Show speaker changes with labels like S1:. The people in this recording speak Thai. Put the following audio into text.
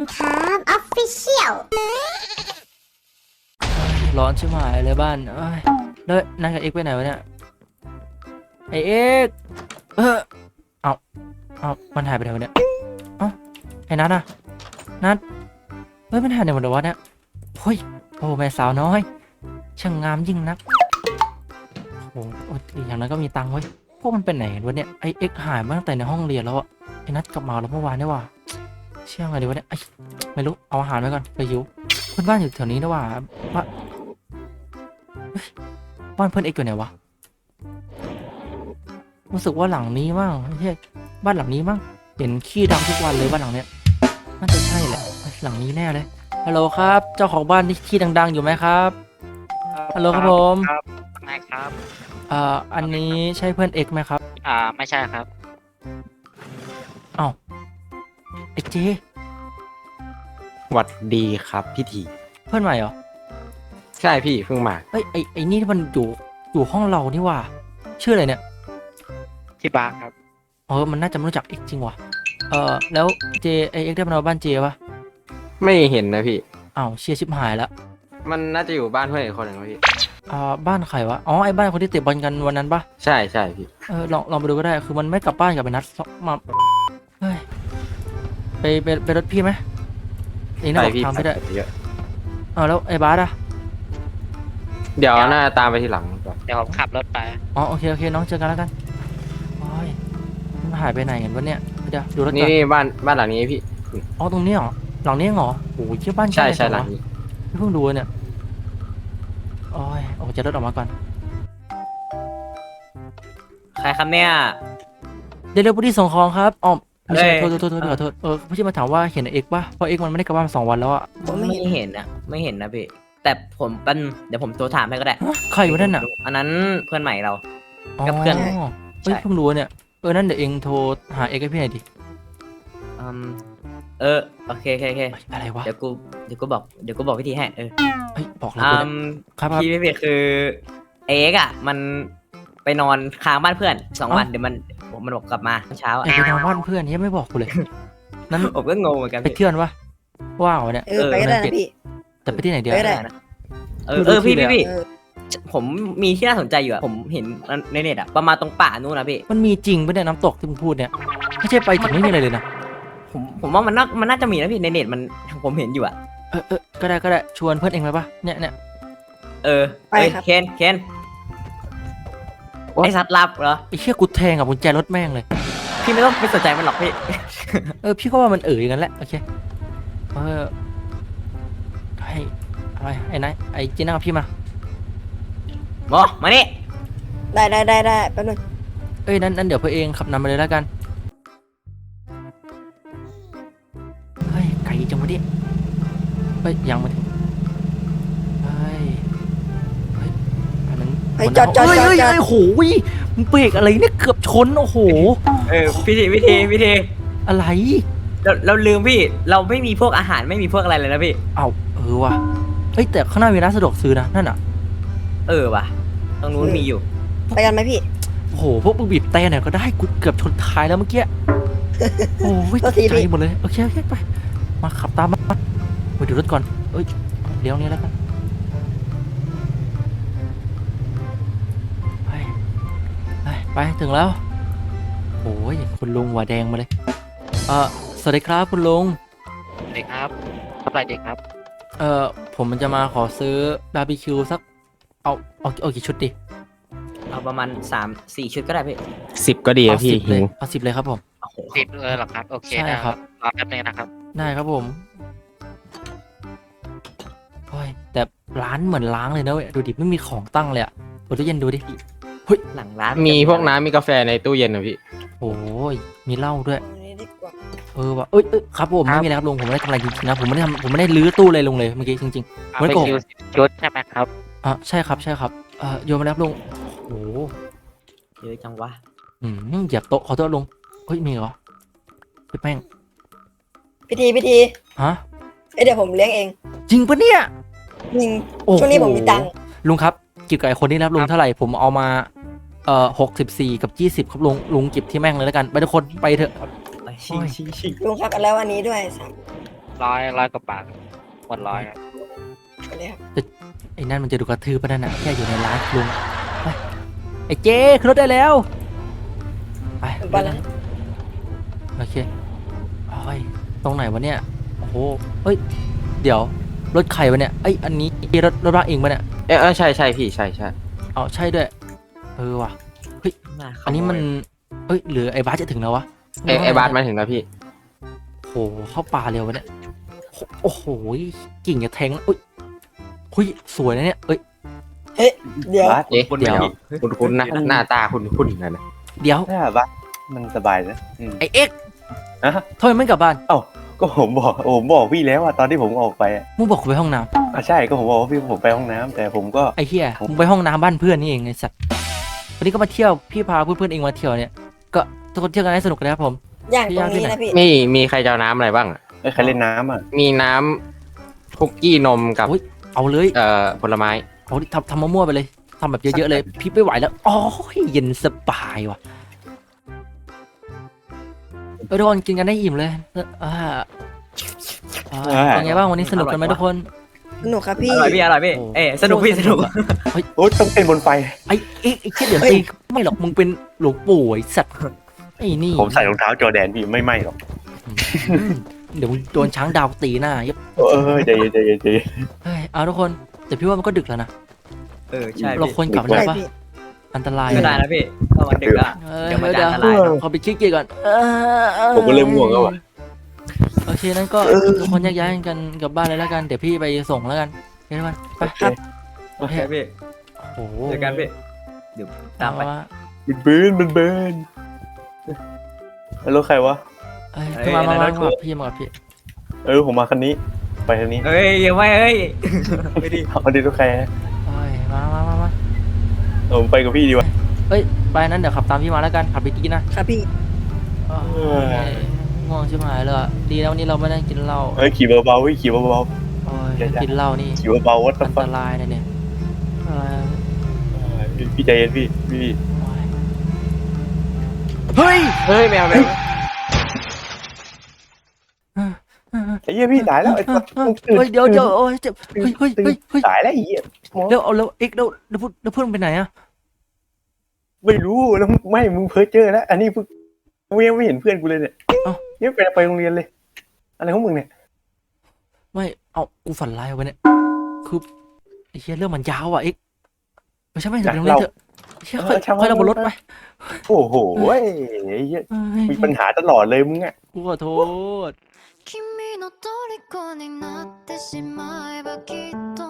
S1: ครับออฟฟิเชียล
S2: ร้อนชิบหายเลยบ้านเอ้ยแล้วนัดกับเอ็กไปไหนวะเนี่ยไอเอ็กเอามันหายไปไหนวะเนี่ยไอ้นัดอะนัดเฮ้ยมันหายไปไหนหมดเลยวะเนี่ยเฮ้ยโอ้แม่สาวน้อยช่างงามยิ่งนักโอ้โหอย่างนั้นก็มีตังค์เว้ยพวกมันเป็นไหนกันวะเนี่ยไอเอ็กหายมาตั้งแต่ในห้องเรียนแล้วอะไอ้นัดกลับมาแล้วเมื่อวานนี่ว่ะเชื่อไงดีวะเนี่ยไม่รู้เอาอาหารไว้ก่อนไปหิวเพื่อนบ้านอยู่แถวนี้นะว่ะบ้านเพื่อนเอ็กอยู่ไหนวะรู้สึกว่าหลังนี้มั้งไม่ใช่บ้านหลังนี้มั้งเห็นขี้ดังทุกวันเลยบ้านหลังเนี้ยน่าจะใช่แหละหลังนี้แน่เลยฮัลโหลครับเจ้าของบ้านที่ขี้ดังๆอยู่ไหมครับฮัลโหลครับผม
S3: ครับไม่ครับ
S2: อันนี้ใช่เพื่อนเอ็กไหมครับ
S3: ไม่ใช่ครับ
S2: ไอเจ
S4: หวัดดีครับพี่ที
S2: เพื่อนใหม่เหรอ
S4: ใช่พี่เพิ่งมา
S2: เอ้ยไอนี่มันอยู่ห้องเรานี่ว่ะชื่ออะไรเนี่ย
S3: ที่บาร์ครับ
S2: มันน่าจะไม่รู้จักเอ็กจริงว่ะแล้วเจไอเอ็กได้มานอนบ้านเจปะ
S4: ไม่เห็นนะพี่
S2: เชียร์ชิบหายแล้ว
S4: มันน่าจะอยู่บ้านเพื่อนอีกคนหนึ่งนะพี่
S2: บ้านใครวะไอ้บ้านคนที่เตะบอลกันวันนั้นปะ
S4: ใช่ใช่พี่
S2: ลองไปดูก็ได้คือมันไม่กลับบ้านกับไปนัดมาเฮ้ยไปรถพี่ไหมเองน่าบอกทางไม่ได้
S4: เยอะ
S2: แล้วไอ้บาสอะ
S4: เดี๋ยวน่าตามไปทีหลังก่อน
S3: เดี๋ยวผมขับรถไป
S2: โอเคน้องเจอกันแล้วกันโอ้ยมันหายไปไหนกันวะเนี่ยเดี๋ยวดูรถก่อน
S4: นี่บ้านหลังนี้พี่
S2: ตรงนี้เหรอหลังนี้เหรอโอ้ยเชื่อบ้าน
S4: ใช่หลังนี้
S2: เพิ่งดูเนี่ยโอ้ยจะรถออกมาก่อน
S5: ใครครับเนี่ย
S2: เดี๋ยวผู้ที่ส่งของครับไม่ใช่โทษขอโทษผู้ที่มาถามว่าเห็นเอ็กป่ะเพราะเอ็กมันไม่ได้กลับบ้านมา2 วันแล้วอะ
S5: ผมไม่เห็นนะพี่แต่ผมเป็นเดี๋ยวผมโทรถามให้ก็ได้
S2: ใครอยู่นั่นน่ะ
S5: อันนั้นเพื่อนใหม่เรากับเพื่อน
S2: เฮ้ยเพิ่งรู้เนี่ยนั่นเดี๋ยวเองโทรหาเอ็กให้พี่หน่อยดิ
S5: โอเค
S2: อะไรวะ
S5: เดี๋ยวกูบอกวิธีให้
S2: บอกแล้วครับ
S5: พี่คือเอ็กมันไปนอนค้างบ้านเพื่อน2 วันเดี๋ยวมันบอกกลับมาเช้า
S2: ไปนอนบ้านเพื่อนยังไม่บอกกูเลย
S5: นั้นผมก็งงเหมือนกัน
S2: ไปเที่ยววะว้าวเนี่ย
S6: ไปก็ได้นะพี่
S2: แต่ไปที่ไหนเดียว
S5: นะพี่ผมมีที่น่าสนใจอยู่ผมเห็นในเน็ตประมาณตรงป่านู่นนะพี่
S2: มันมีจริงปะเนี่ยน้ำตกที่มึงพูดเนี่ยไม่ใช่ไปถึงไม่มีอะไรเลยนะ
S5: ผมว่ามันน่าจะมีนะพี่ในเน็ตมันผมเห็นอยู่
S2: ก็ได้ชวนเพื่อนเองเลยปะเนี่ย
S5: ไปครับเคนไอสัตว์ลับเหรอ
S2: ไอเชี่ยกูแทงกับกุญแจรถแม่งเลย
S5: พี่ไม่ต้องไปสนใจมันหรอกพี่
S2: พี่ก็ว่ามันอย่างนั้นแหละโอเคให้อะไรไอ้นายไอ้จีน่ากับพี่มา
S5: นี่
S6: ได้แป๊บนึง
S2: นั้นเดี๋ยวเพื่อเองขับนำไปเลยแล้วกันเฮ้ยไก่จังวะเนี่ยยังมาถึงอันนั้น
S6: จอด
S2: โหมึงเบรกอะไรเนี่ยเกือบชนโอ้โห
S5: วิธี
S2: อะไร
S5: เราลืมพี่เราไม่มีพวกอาหารไม่มีพวกอะไรเลยนะพี่
S2: ว่ะแต่ข้างหน้ามีร้านสะดวกซื้อนะนั่น
S5: ว่ะตรงนู้นมีอยู่
S6: ไปกันไหมพี่
S2: โอ้โหพวกมึงบีบแต่เนี่ยก็ได้กูเกือบชนท้ายแล้วเมื่อกี้โอ้ยใจหมดเลยโอเคไปมาขับตามมาไปดูรถก่อนเดี๋ยวนี้แล้วกันไปถึงแล้วโอ้ยคุณลุงหัวแดงมาเลยสวัสดีครับคุณลุง
S3: สวัสดีครับทำอะไรดีครับ
S2: ผมมันจะมาขอซื้อบาร์บีคิวสักเอากี่ชุดดิ
S5: เอาประมาณ3-4 ชุดก็ได้พี่
S4: 10ก็ดีพี่
S2: เอา10เลยครับผม
S3: 10เลยหรอครับโอเคได้ครับรอแป๊บนึงนะครับ
S2: ได้ครับผมแต่ร้านเหมือนล้างเลยนะเว้ยดูดิไม่มีของตั้งเลยเปิดตู้เย็นดูดิ
S5: หลังร้าน
S4: มีพวกน้ำมีกาแฟในตู้เย็นนะพี่
S2: โอ้ยมีเหล้าด้วยว่ะครับผมไม่มีแล้วครับลุงผมไม่ได้ทำอะไรจริงๆนะผมไม่ได้ลื้อตู้เลยลุงเลยเมื่อกี้จริงๆ
S3: ไม่โกงชุดใช่ไหมครับ
S2: ใช่ครับโยนมาแล้วลุงโอ้
S5: เยอะจังวะ
S2: เหยียบโต๊ะขอโทษลุงมีเหรอพี่แป้ง
S6: พิธี
S2: ฮะ
S6: เดี๋ยวผมเลี้ยงเอง
S2: จริงปะเนี่ย
S6: จริงช่วงนี้ผมมีตังค์
S2: ลุงครับกิบกับไอ้คนนี้นะลุงเท่าไหร่ผมเอามา64 กับ 20ครับลุงเก็บที่แม่งเลยแล้วกันไปทุกคนไปเถอะ
S6: ลุงครับแล้วอันนี้ด้วย
S3: ร้อยกว่าบาทหมดร้อยครับ
S6: ไปเลยครับ
S2: ไอ้นั่นมันจะดูกระทืบปะนั่นน่ะแค่อยู่ในร้านลุงไปไอ้เจ๊ขึ้นรถได้แล้วไป
S6: ผมไปแล้ว
S2: โอเคโอ้ยตรงไหนวะเนี่ยโอ้โหเฮ้ยเดี๋ยวรถใครวะเนี่ยไอ้ยอันนี้รถบ้านเองปะเนี่ย
S4: ใช่ใช่พี่ใช่ใช่
S2: เอาใช่ด้วยว่ะ อันนี้มันเอ้ยหรือไอ้บาสจะถึงแล้ววะ
S4: ไอ้บาสมาถึงแล้วพี่
S2: โหเข้าป่าเร็ววะเนี่ยโอ้โหกิ่งจะแทงอุ้ยหุ้ยสวยนะเนี่ยเอ้ย
S6: เดี๋ยว
S7: บัส
S4: เอ๊ะ
S5: คน
S4: เดี๋ยว
S5: ไม่มี
S4: คุณนะหน้าตาคุณนะ
S2: เดี๋ยว
S7: ถ้าบัสมันสบายนะ
S2: ไอ้เอ็กซ์
S7: ฮะ
S2: ทำไมไม่กลับบ้าน
S7: ก็ผมบอกพี่แล้วอะตอนที่ผมออกไปอะ
S2: มึงบอกกูไปห้องน้
S7: ใช่ก็ผมบอกว่าพี่ผมไปห้องน้ำแต่ผมก็
S2: ำไอ้เหี้ยมึงไปห้องน้ำบ้านเพื่อนนี่เองไอ้สัตว์วันนี้ก็มาเที่ยวพี่พาเพื่อนๆเองมาเที่ยวเนี่ยก็ทุกคนเที่ยวกันให้สนุกกันนะครับผม
S6: อย่างตรงนี้นะพี่
S4: มีใครจะเอาน้ำอะไรบ้างอะ
S7: ใครเล่นน้ำอะ
S4: มีน้ำคุกกี้นมกับ
S2: เอาเลย
S4: ผลไม้
S2: เอาดิทำมั่วๆไปเลยทำแบบเยอะๆเลยพี่ไม่ไหวแล้วอ๋อเย็นสบายว่ะทุกคนกินกันได้อิ่มเลยเป็นไงบ้างวันนี้สนุกกันไหมทุกคน
S6: สนุกครับพี่
S5: อร่อยพี่อร่อยพี่สนุกพี่สนุก
S7: โอ้ยต้องเต้นบนไฟ
S2: ไอ้เชี่ยเดี๋ยวตีไม่หรอกมึงเป็นหลวงปู่ไอ้สัตว์ไอ้นี่
S7: ผมใส่รองเท้าจอร์แดนพี่ไม่ไหมหรอก
S2: เดี๋ยวมึงโดนช้างดาวตีหน้ายับ
S7: ใจเย็นใจเย็นใจเย็น
S2: เฮ้ยเอาทุกคนแต่พี่ว่ามันก็ดึกแล้วนะ
S5: ใช่
S2: เรา
S5: พี่
S2: ควรกลับ
S6: ใช่
S2: แล้วปะ
S6: พี่
S2: อันตราย
S5: ไม่ได้นะพี่ถ้ามันดึกอะ เดี๋ยวมันจะอันตราย
S2: ขอไปคิดเกียร์ก่อน
S7: ผมก็เริ่มง่วงแล้วอะ
S2: โอเคนั้นก็ทุกคนแยกย้ายกันกลับบ้านเลยแล้วกันเดี๋ยวพี่ไปส่งแล้วกันโอเคทุกคนไป
S7: ครับ
S2: โอเค
S5: โอเคพี่
S2: โอ้โห
S5: เจอกันพี่เดี๋ยวตามไป
S7: มันเบิร์นแล้วรถใครวะ
S2: เอ้ยขึ้นมากับพี่มากับพี่
S7: ผมมาคันนี้ไปคันนี้
S5: เฮ้ยยังไม่เฮ้ยไม่ดี
S7: เอาดิรถใคร
S2: เอ้ยมา
S7: ผมไปกับพี่ดีวะ
S2: ไปนั้นเดี๋ยวขับตามพี่มาแล้วกันขับไปกินนะครับ
S6: พี่
S2: ง่วงชิบหายเลยอะดีแล้ววันนี้เราไม่ได้กินเหล้า
S7: ขี่เบาๆขี่เบา
S2: โอ้ยกินเหล้านี่
S7: ๆขี่เบาๆวัด
S2: อันต
S7: ฟัง
S2: รายนะเนี่ยเอ้ย
S7: พี่ใจเย็นพี่
S2: เฮ้ย
S4: เฮ้ยแมว
S7: ไอ้เหี้ยพี่ตายแล้วไอ้สัส
S2: เฮ้ยเดี๋ยวโอ้ยเจ็บเฮ้ย
S7: ตายแล้วไอ้เหี้ย
S2: เดี๋ยวเอาแล้วเอ็กเดี๋ยวเพื่อนไปไหนอะ
S7: ไม่รู้แล้วไม่มึงเพ้อเจอแล้วอันนี้เพิ่งมึงยังไม่เห็นเพื่อนกูเลยเนี่ยนี่ไปโรงเรียนเลย อะไรของมึงเนี่ย
S2: ไม่เอากูฝันร้ายเอาไว้เนี่ยคือไอ้เหี้ยเรื่องมันยาวอ่ะเอ็กไม่ใช่ไปโรงเรียนเถอะเชี่ยค่อยเราบนรถไป
S7: โอ้โหไอ้เหี้ยมีปัญหาตลอดเลยมึงอ่ะ
S2: กูขอโทษ
S8: 君の虜になってしまえばきっと